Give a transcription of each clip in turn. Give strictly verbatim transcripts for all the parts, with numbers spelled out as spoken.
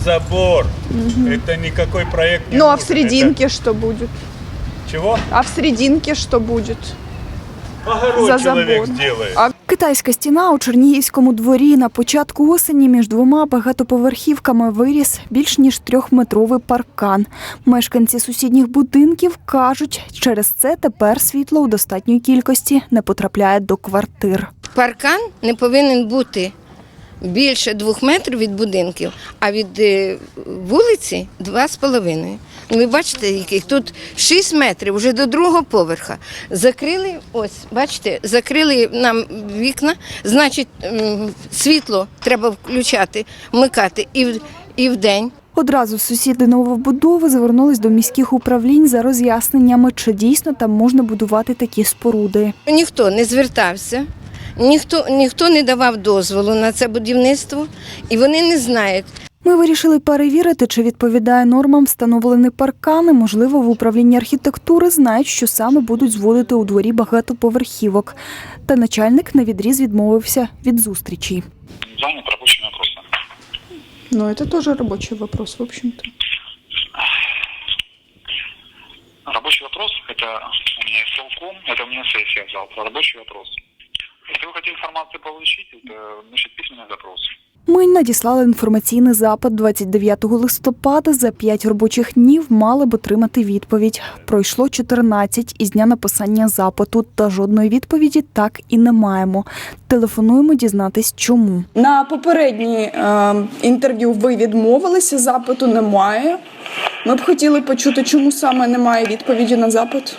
Забор. Угу. Это никакой проект не Ну, нужен. а в серединке Это... что будет? Чего? А в серединке что будет? Огород За человек забор. сделает. А Китайська стіна у Чернігівському дворі. На початку осені між двома багатоповерхівками виріс більш ніж трьохметровий паркан. Мешканці сусідніх будинків кажуть, через це тепер світло у достатньої кількості не потрапляє до квартир. Паркан не повинен бути більше двох метрів від будинків, а від вулиці – два з половиною. Ви бачите, яких тут шість метрів, вже до другого поверха. Закрили, ось, бачите, закрили нам вікна, значить, світло треба включати, вмикати і, в, і вдень. Одразу сусіди новобудови звернулись до міських управлінь за роз'ясненнями, чи дійсно там можна будувати такі споруди. Ніхто не звертався. Ніхто, ніхто не давав дозволу на це будівництво, і вони не знають. Ми вирішили перевірити, чи відповідає нормам встановлені паркани. Можливо, в управлінні архітектури знають, що саме будуть зводити у дворі багатоповерхівок. Та начальник навідріз відмовився від зустрічі. Занят рабочими вопросами. ну, это тоже рабочий вопрос, в общем-то. Рабочий вопрос – это у меня селком, это у меня сессия завтра. Рабочий вопрос. Если вы хотите информацию получить, это, значит, письменный запрос. Ми надіслали інформаційний запит двадцять дев'ятого листопада. За п'ять робочих днів мали б отримати відповідь. Пройшло чотирнадцять із дня написання запиту, та жодної відповіді так і не маємо. Телефонуємо дізнатись, чому. На попередній е, інтерв'ю ви відмовилися, запиту немає. Ми б хотіли почути, чому саме немає відповіді на запит.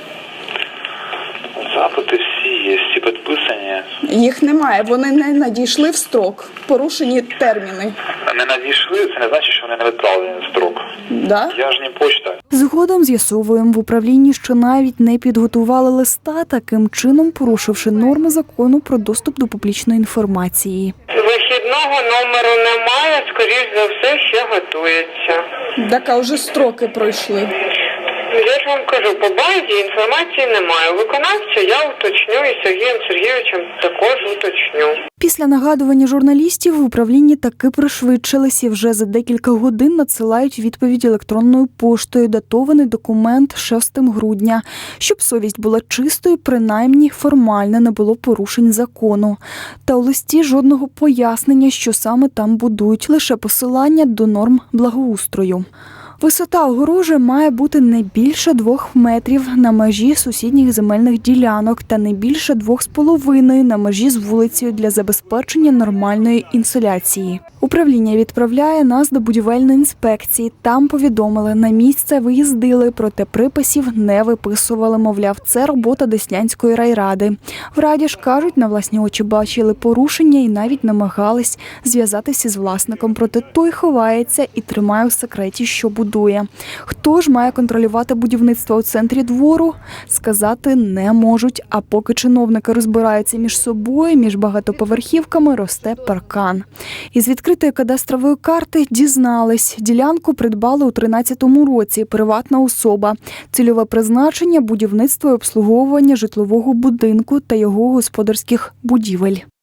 Запити всі є, всі підписані. Їх немає, вони не надійшли в строк, порушені терміни. Не надійшли, це не значить, що вони не відправлені в строк. Да? Я ж не почта. Згодом з'ясовуємо в управлінні, що навіть не підготували листа, таким чином порушивши норми закону про доступ до публічної інформації. Вихідного номеру немає, скоріш за все, ще готується. Так, а вже строки пройшли. Я ж вам кажу, по базі інформації немає. Виконавця я уточню і Сергієм Сергійовичем також уточню. Після нагадування журналістів в управлінні таки пришвидшились і вже за декілька годин надсилають відповідь електронною поштою, датований документ шостого грудня. Щоб совість була чистою, принаймні формально не було порушень закону. Та у листі жодного пояснення, що саме там будують, лише посилання до норм благоустрою. Висота огорожі має бути не більше двох метрів на межі сусідніх земельних ділянок та не більше двох з половиною на межі з вулицею для забезпечення нормальної інсоляції. Управління відправляє нас до будівельної інспекції. Там повідомили, на місце виїздили, проте приписів не виписували. Мовляв, це робота Деснянської райради. В раді ж кажуть, на власні очі бачили порушення і навіть намагались зв'язатися з власником. Проте той ховається і тримає у секреті, що будує. Хто ж має контролювати будівництво у центрі двору? Сказати не можуть. А поки чиновники розбираються між собою, між багатоповерхівками росте паркан. Із відкритої кадастрової карти дізнались, ділянку придбали у тринадцятому році, приватна особа. Цільове призначення – будівництво і обслуговування житлового будинку та його господарських будівель.